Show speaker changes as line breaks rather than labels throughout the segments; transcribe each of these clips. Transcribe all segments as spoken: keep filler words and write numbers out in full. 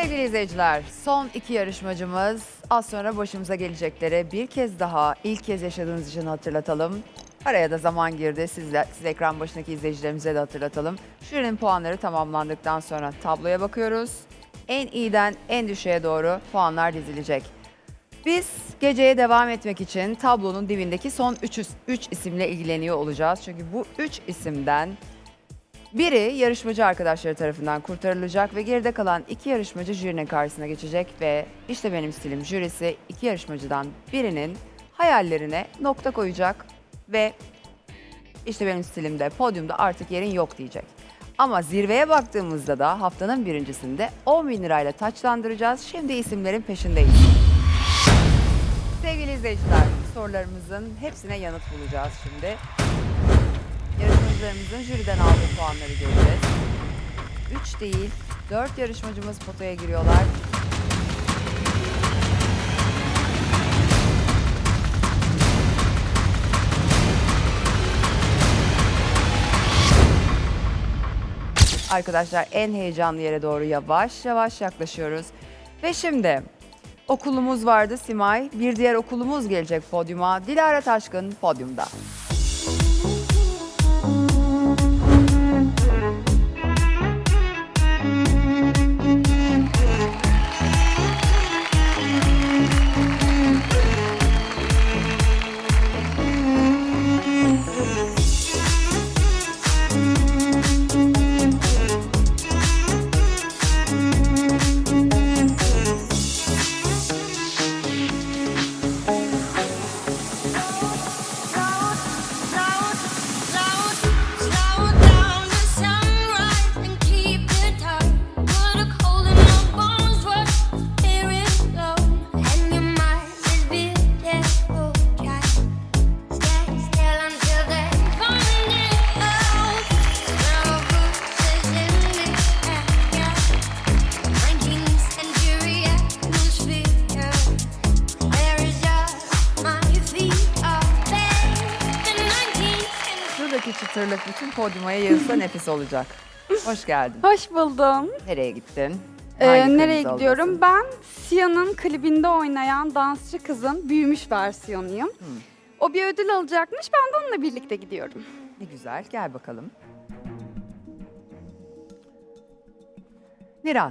Sevgili izleyiciler, son iki yarışmacımız az sonra başımıza gelecekleri bir kez daha ilk kez yaşadığınız için hatırlatalım. Araya da zaman girdi. Sizler, siz ekran başındaki izleyicilerimize de hatırlatalım. Jürinin puanları tamamlandıktan sonra tabloya bakıyoruz. En iyiden en düşüğe doğru puanlar dizilecek. Biz geceye devam etmek için tablonun dibindeki son üç isimle ilgileniyor olacağız. Çünkü bu üç isimden biri yarışmacı arkadaşları tarafından kurtarılacak ve geride kalan iki yarışmacı jürinin karşısına geçecek ve işte benim stilim jürisi iki yarışmacıdan birinin hayallerine nokta koyacak ve işte benim stilimde podyumda artık yerin yok diyecek. Ama zirveye baktığımızda da haftanın birincisinde on bin lirayla taçlandıracağız. Şimdi isimlerin peşindeyiz. Sevgili izleyiciler, sorularımızın hepsine yanıt bulacağız şimdi. Yarışmacılarımızın jüriden aldığı puanları göreceğiz. üç değil, dört yarışmacımız potaya giriyorlar. Arkadaşlar en heyecanlı yere doğru yavaş yavaş yaklaşıyoruz. Ve şimdi okulumuz vardı Simay. Bir diğer okulumuz gelecek podyuma. Dilara Taşkın podyumda. Çıtırlık bütün podyuma yayılsa nefis olacak. Hoş geldin.
Hoş buldum.
Nereye gittin?
Ee,
Hangi
nereye
kırmızı
gidiyorum?
oldasın?
Ben Sia'nın klibinde oynayan dansçı kızın büyümüş versiyonuyum.
Hmm.
O bir ödül alacakmış. Ben de onunla birlikte gidiyorum.
Ne güzel. Gel bakalım. Niran.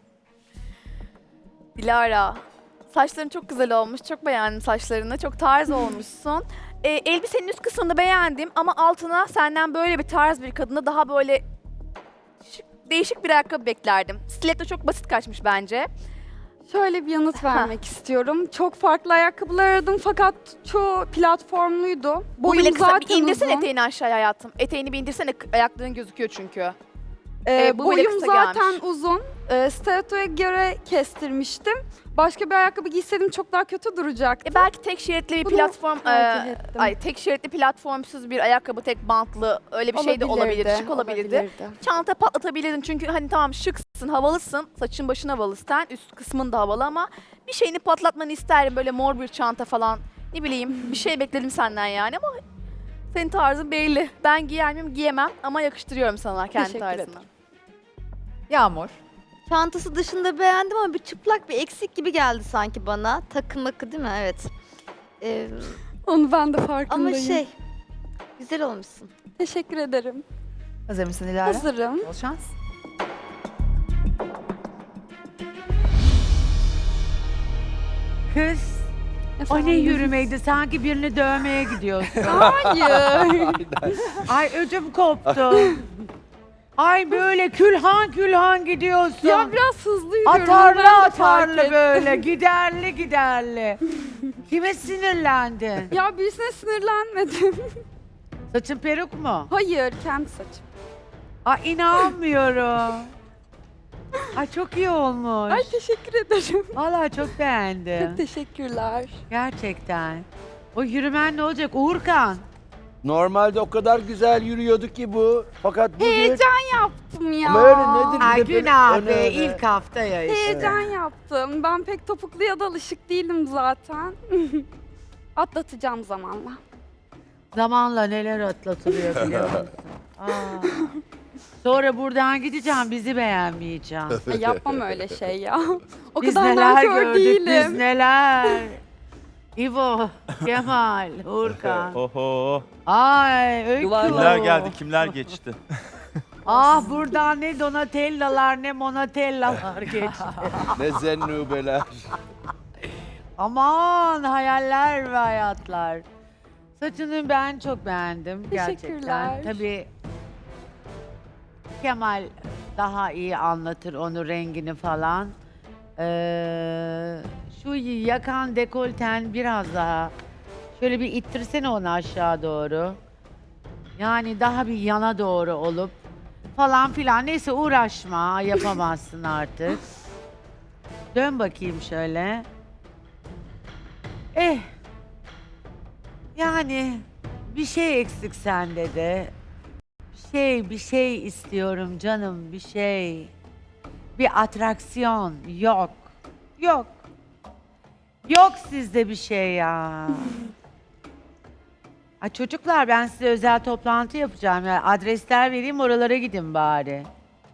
Dilara, saçların çok güzel olmuş. Çok beğendim saçlarını. Çok tarz olmuşsun. Ee, elbisenin üst kısmını beğendim ama altına senden böyle bir tarz bir kadına daha böyle şık, değişik bir ayakkabı beklerdim. Stiletto çok basit kaçmış bence.
Şöyle bir yanıt vermek istiyorum. Çok farklı ayakkabılar aradım fakat çoğu platformluydu.
Bu bile
Boyum
kısa. Bir
zaten
indirsene
uzun.
eteğini aşağıya hayatım. Eteğini bir indirsene, ayakların gözüküyor çünkü.
Ee,
Ee, bu bile
boyum
kısa
zaten
gelmiş.
uzun. Ee, stilettoya göre kestirmiştim. Başka bir ayakkabı giyseydim çok daha kötü duracaktı.
E belki tek şeritli bir
Bunu
platform,
tercih
e,
ettim.
ay tek şeritli platformsuz bir ayakkabı, tek bantlı öyle bir şey de olabilir, şık olabilirdi. Çanta patlatabilirdin çünkü hani tamam şıksın, havalısın, saçın başın havalı, sen üst kısmın da havalı ama bir şeyini patlatmanı isterim, böyle mor bir çanta falan, ne bileyim bir şey bekledim senden yani ama senin tarzın belli. Ben giyer miyim? Giyemem ama yakıştırıyorum sana kendi
Teşekkür
tarzını.
ederim.
Yağmur.
Çantası dışında beğendim ama bir çıplak bir eksik gibi geldi sanki bana. Takım akı değil mi? Evet. Ee,
Onu ben de farkındayım.
ama şey, güzel olmuşsun.
Teşekkür ederim.
Hazır mısın Dilara?
Hazırım.
Bol şans.
Kız, o ne
Efendim?
yürümeydi? Sanki birini dövmeye gidiyorsun.
Hayır.
Ay ödüm koptu. Ay böyle külhan külhan gidiyorsun.
Ya biraz hızlı yürüyorum.
atarlı
ben de fark
atarlı
ettim.
böyle, giderli giderli. Kime sinirlendin?
Ya birisine sinirlenmedim.
Saçın peruk mu?
Hayır, kendi saçım.
Ay inanmıyorum. Ay çok iyi olmuş.
Ay teşekkür ederim.
Vallahi çok beğendim.
Teşekkürler.
Gerçekten. O yürümen ne olacak Uğurkan?
Normalde o kadar güzel yürüyordu ki bu. Fakat bugün...
Heyecan yaptım ya.
Ama öyle nedir?
Ay
Bir de böyle
günah
öne
be
öne.
ilk hafta ya işte.
Heyecan yaptım. Ben pek topukluya da alışık değilim zaten. Atlatacağım zamanla.
Zamanla neler atlatılıyor biliyor musun? Aa. Sonra buradan gideceğim, bizi beğenmeyeceğim.
Ay, yapmam öyle şey ya. O
Biz
kadar
neler
nankör
gördük, biz
değilim.
neler. İvo, Kemal, Urkan.
Oho.
Ay, Öykü.
Kimler geldi, kimler geçti?
Ah buradan ne Donatellalar ne Monatellalar geçti.
Ne zennubeler.
Aman hayaller ve hayatlar. Saçını ben çok beğendim gerçekten.
Teşekkürler.
Tabii Kemal daha iyi anlatır onu rengini falan. Ee, şu yakan dekolten biraz daha şöyle bir ittirsene onu aşağı doğru. Yani daha bir yana doğru olup falan filan. Neyse uğraşma, yapamazsın artık. Dön bakayım şöyle. Eh. Yani bir şey eksik sende de. Bir şey, bir şey istiyorum canım, bir şey. Bir atraksiyon yok. Yok. Yok sizde bir şey ya. Ay çocuklar ben size özel toplantı yapacağım ya. Adresler vereyim oralara gidin bari.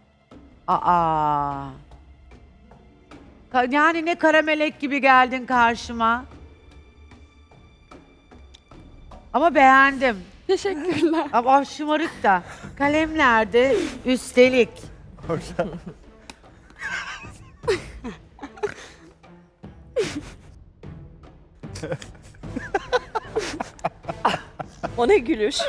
Aa. Ka- Yani ne kara melek gibi geldin karşıma. Ama beğendim.
Teşekkürler.
Ama şımarık da. Kalem nerede? Üstelik.
O ne gülüş?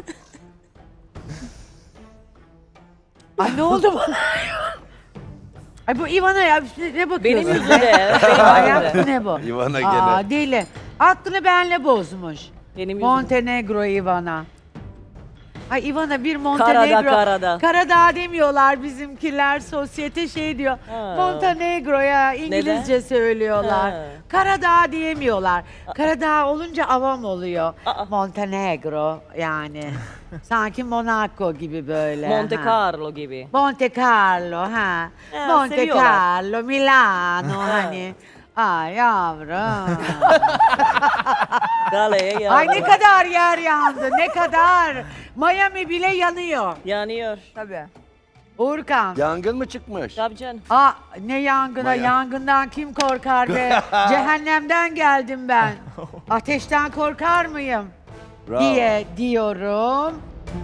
Ay ne oldu bana? Ay bu Ivana ya ne bakıyorsun?
Benim yüzümde. Benim
Ayak
yüzümde.
ne bu?
Ivana
Aa
gene.
deli. Aklını benle bozmuş.
Benim yüzümde.
Montenegro Ivana. Ay Ivana bir
Karada
Montenegro.
karada.
Karadağ demiyorlar bizimkiler. Sosyete şey diyor.
Ha.
Montenegro'ya İngilizce
Neden?
söylüyorlar.
Ha.
Karadağ diyemiyorlar. Karadağ olunca avam oluyor.
Aa.
Montenegro yani. Sanki Monaco gibi böyle.
Monte
ha.
Carlo gibi.
Monte Carlo ha.
Ha,
Monte
seviyorlar.
Carlo, Milano
Ha.
hani. Ay yavrum.
Galeye yandı.
Ay ne kadar yer yandı, ne kadar. Miami bile yanıyor.
Yanıyor.
Tabii.
Uğurkan.
Yangın mı çıkmış?
Tabii canım.
Aa ne yangına,
Maya.
yangından kim korkar be? Cehennemden geldim ben. Ateşten korkar mıyım?
Bravo.
Diye diyorum.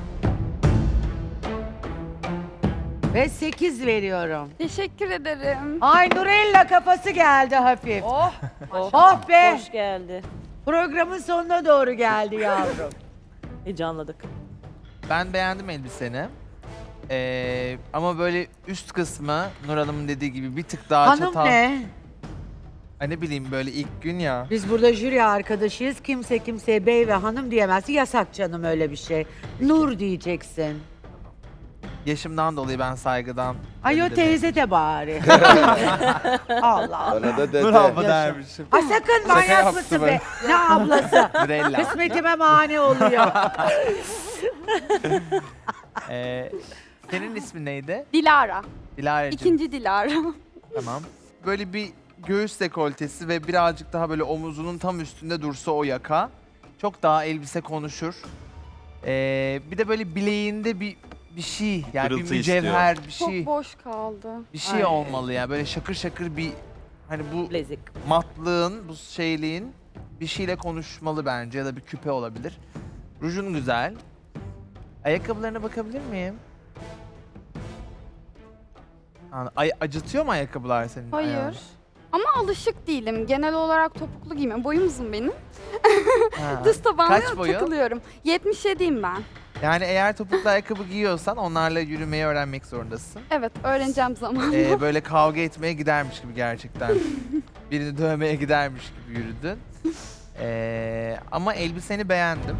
Ve sekiz veriyorum.
Teşekkür ederim.
Ay Nurella kafası geldi hafif.
Oh.
Oh,
Oh be!
Hoş geldi.
Programın sonuna doğru geldi yavrum.
Heyecanladık.
Ben beğendim elbiseni. Ee, ama böyle üst kısmı Nur Hanım'ın dediği gibi bir tık daha
Hanım
çatal.
ne?
Ay ne bileyim böyle ilk gün ya.
Biz burada jüri arkadaşıyız. Kimse kimseye bey ve hanım diyemez. Yasak canım öyle bir şey. Nur diyeceksin.
Yaşımdan dolayı ben saygıdan.
Ay o
öyle dedim.
teyze de bari. Allah Allah.
Bana da dede.
Nur abla
Yaşa.
dermişim.
Ay sakın manyak
yaptı
mısın
böyle.
be? Ne ablası?
Nurella.
Kısmetime mani oluyor.
Ee, senin ismin neydi?
Dilara.
Dilara'cığım.
İkinci Dilara.
Tamam. Böyle bir göğüs dekoltesi ve birazcık daha böyle omuzunun tam üstünde dursa o yaka. Çok daha elbise konuşur. Ee, bir de böyle bileğinde bir bir şey yani
Pırıltı
bir mücevher bir
Çok
şey
boş kaldı.
bir şey
Ay.
olmalı ya böyle şakır şakır bir hani bu
Bilezik.
matlığın bu şeyliğin bir şeyle konuşmalı bence ya da bir küpe olabilir. Rujun güzel. Ayakkabılarına bakabilir miyim? Yani, ay, acıtıyor mu ayakkabılar senin
Hayır.
ayağını?
Ama alışık değilim. Genel olarak topuklu giymem. Boyum uzun benim.
Ha.
Düz tabanlı
Kaç boyu?
takılıyorum. yetmiş yediyim ben.
Yani eğer topuklu ayakkabı giyiyorsan onlarla yürümeyi öğrenmek zorundasın.
Evet, öğreneceğim zamanla.
Ee, böyle kavga etmeye gidermiş gibi gerçekten. Birini dövmeye gidermiş gibi yürüdün. Ee, ama elbiseni beğendim.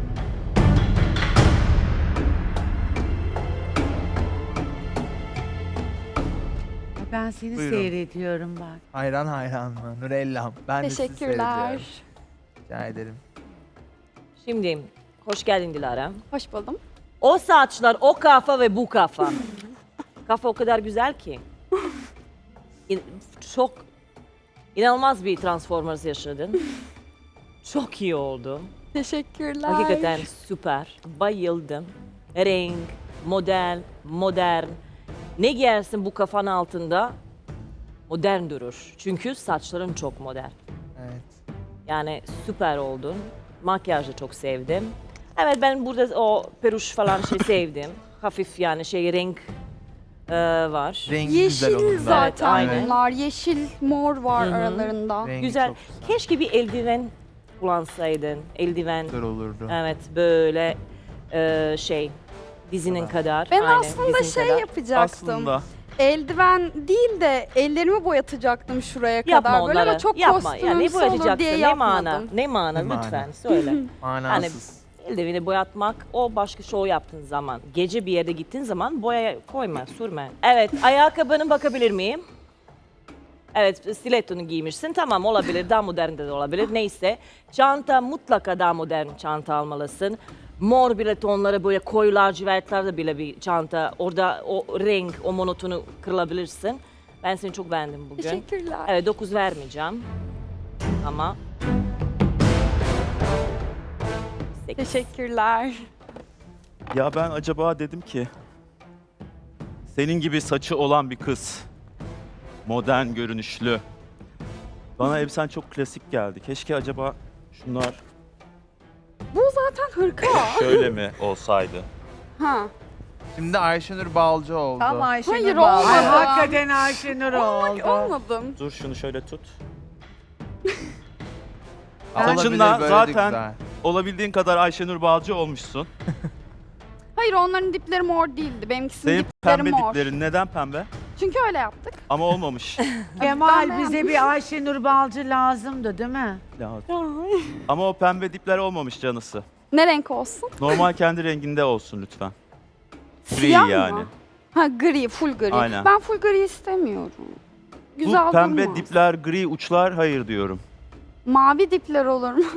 Ben seni
Buyurun.
seyrediyorum bak.
Hayran hayran mı? Nurellam. Ben de sizi
Teşekkürler.
seyrediyorum. Rica ederim.
Şimdi hoş geldin Dilara.
Hoş buldum.
O saçlar, o kafa ve bu kafa. Kafa o kadar güzel ki. İn- çok inanılmaz bir Transformers yaşadın. Çok iyi oldu.
Teşekkürler.
Hakikaten süper. Bayıldım. Renk, modern, modern. Ne giyersin bu kafanın altında modern durur. Çünkü saçların çok modern.
Evet.
Yani süper oldun. Makyajı çok sevdim. Evet ben burada o peruş falan şey sevdim. Hafif yani şey renk e, var.
Rengi güzel onun
Yeşil
da.
zaten
Evet, aynen.
bunlar. Yeşil, mor var
Hı hı.
aralarında.
Rengi
Güzel.
çok güzel.
Keşke bir eldiven kullansaydın. Eldiven.
Güzel olurdu.
Evet böyle e, şey dizinin
Evet.
kadar.
Ben
aynen,
aslında
dizin
şey
kadar.
yapacaktım.
Aslında.
Eldiven değil de ellerimi boyatacaktım şuraya
Yapma
kadar. Böyle
onları.
ama çok
Yapma. Yani ne
kostümümsü olur
boyatacaksın?
diye
Ne mana?
yapmadım.
Ne mana
Ne mana?
lütfen söyle.
Manasız.
Eldiveni boyatmak o başka şov yaptığın zaman. Gece bir yere gittiğin zaman boya koyma, sürme. Evet, ayakkabını bakabilir miyim? Evet, stilettonu giymişsin. Tamam olabilir, daha modern de olabilir. Neyse. Çanta mutlaka daha modern çanta almalısın. Mor bile tonları böyle koyu lacivertlerde bile bir çanta. Orada o renk, o monotonu kırılabilirsin. Ben seni çok beğendim bugün.
Teşekkürler.
Evet, dokuz vermeyeceğim. Ama... sekiz.
Teşekkürler.
Ya ben acaba dedim ki senin gibi saçı olan bir kız. Modern görünüşlü. Bana elbisen çok klasik geldi. Keşke acaba şunlar
Bu zaten hırka.
şöyle mi olsaydı?
ha.
Şimdi Ayşenur Balcı oldu.
Tam Ayşenur
Hayır,
bağlı.
olmadı.
Ay hakikaten Ayşenur oldu.
Olmadım.
Dur şunu şöyle tut.
Olabilir,
Saçınla
böyle de
zaten
güzel.
olabildiğin kadar Ayşenur Balcı olmuşsun.
Hayır onların dipleri mor değildi. Benimkisinin
Senin
dipleri
pembe
mor.
diplerin neden pembe?
Çünkü öyle yaptık.
Ama olmamış.
Kemal
Ben
bize bir Ayşenur Balcı lazımdı değil mi?
Lazım. Ama o pembe dipler olmamış canısı.
Ne renk olsun?
Normal kendi renginde olsun lütfen. Gri
Siyah
yani.
mı? Ha gri, full gri.
Aynen.
Ben full gri istemiyorum. Güzel
Bu pembe
durmaz.
dipler, gri uçlar hayır diyorum.
Mavi dipler olur mu?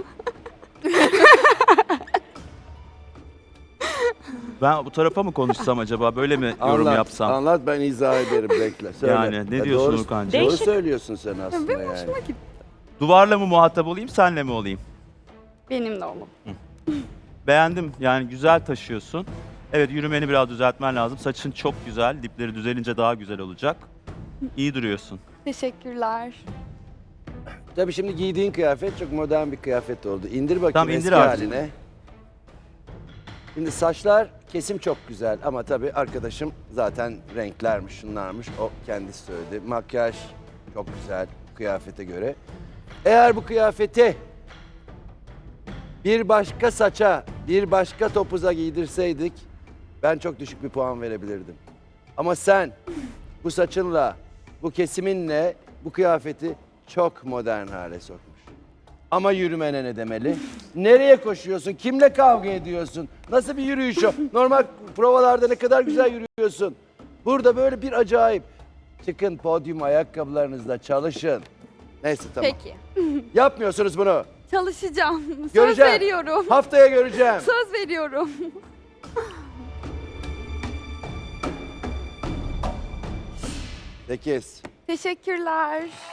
Ben bu tarafa mı konuşsam acaba? Böyle mi yorum
Anlat,
yapsam?
anlat ben izah ederim bekle. Söyle.
Yani ne
Ya
diyorsun
doğru,
Urkancığım?
Doğru
Değişik.
söylüyorsun sen aslında
Benim
yani.
hoşuma gitti.
Duvarla mı muhatap olayım, senle mi olayım?
Benim de olur.
Beğendim. Yani güzel taşıyorsun. Evet yürümeni biraz düzeltmen lazım. Saçın çok güzel. Dipleri düzelince daha güzel olacak. İyi duruyorsun.
Teşekkürler.
Tabii şimdi giydiğin kıyafet çok modern bir kıyafet oldu. İndir bakayım
Tamam, indir
eski
abi.
haline. Şimdi saçlar kesim çok güzel ama tabii arkadaşım zaten renklermiş, şunlarmış. O kendisi söyledi. Makyaj çok güzel kıyafete göre. Eğer bu kıyafeti bir başka saça, bir başka topuza giydirseydik ben çok düşük bir puan verebilirdim. Ama sen bu saçınla, bu kesiminle bu kıyafeti çok modern hale sokmuş. Ama yürümene ne demeli? Nereye koşuyorsun? Kimle kavga ediyorsun? Nasıl bir yürüyüş o? Normal provalarda ne kadar güzel yürüyorsun. Burada böyle bir acayip. Çıkın podyum ayakkabılarınızla çalışın. Neyse tamam.
Peki.
Yapmıyorsunuz bunu.
Çalışacağım. Söz
Göreceğim.
veriyorum.
Haftaya göreceğim.
Söz veriyorum.
Sekiz.
Teşekkürler.